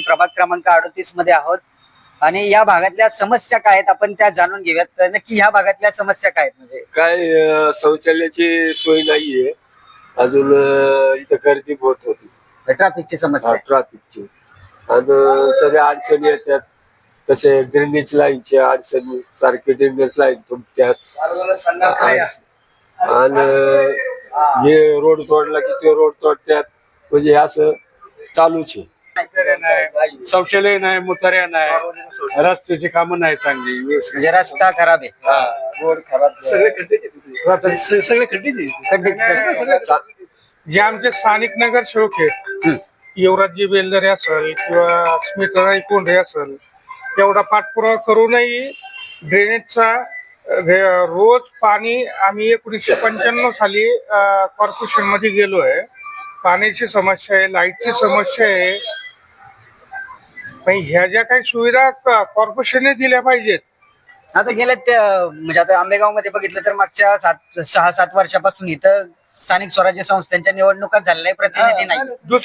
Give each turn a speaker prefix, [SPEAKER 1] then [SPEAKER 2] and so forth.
[SPEAKER 1] प्रभाग क्रमांक 38 मध्ये आहोत आणि या भागातल्या समस्या काय आहेत आपण त्या जाणून घेऊयात. तर नक्की ह्या भागातल्या समस्या काय आहेत? म्हणजे
[SPEAKER 2] काय शौचालयाची सोय नाहीये अजून. इथं गर्दी बहुत होती
[SPEAKER 1] ट्रॅफिकची समस्या आहे.
[SPEAKER 2] ट्रॅफिकची आणि सगळ्या अडचणी येतात. तसे ड्रेनेज लाईनची अडचणी सारखे ड्रेनेज लाईन तुमच्यात आणि हे रोड तोडला की ते रोड तोडतात. म्हणजे असं चालूच आहे.
[SPEAKER 3] शौचालय नाही, मुतार्या नाही, रस्त्याची कामं नाही चांगली
[SPEAKER 1] म्हणजे रस्ता खराब आहे.
[SPEAKER 3] रोड खराब, सगळे खड्डेच सगळे खड्डेच
[SPEAKER 1] खड्डे-
[SPEAKER 4] जे आमचे स्थानिक नगरसेवक आहेत, युवराजजी बेलदरे असेल किंवा स्मिताताई कोंढे असेल, एवढा पाठपुरावा करूनही ड्रेनेजचा रोज पाणी आम्ही 1995 साली कॉर्पोरेशन मध्ये गेलोय. पाण्याची समस्या आहे, लाईटची समस्या आहे. पण ह्या ज्या काही सुविधा कॉर्पोरेशनने दिल्या पाहिजेत.
[SPEAKER 1] आता गेल्या म्हणजे आता आंबेगाव मध्ये बघितलं तर मागच्या 6-7 वर्षापासून इथं स्थानिक स्वराज्य संस्थांच्या निवडणुका झालेल्या, प्रतिनिधी नाही.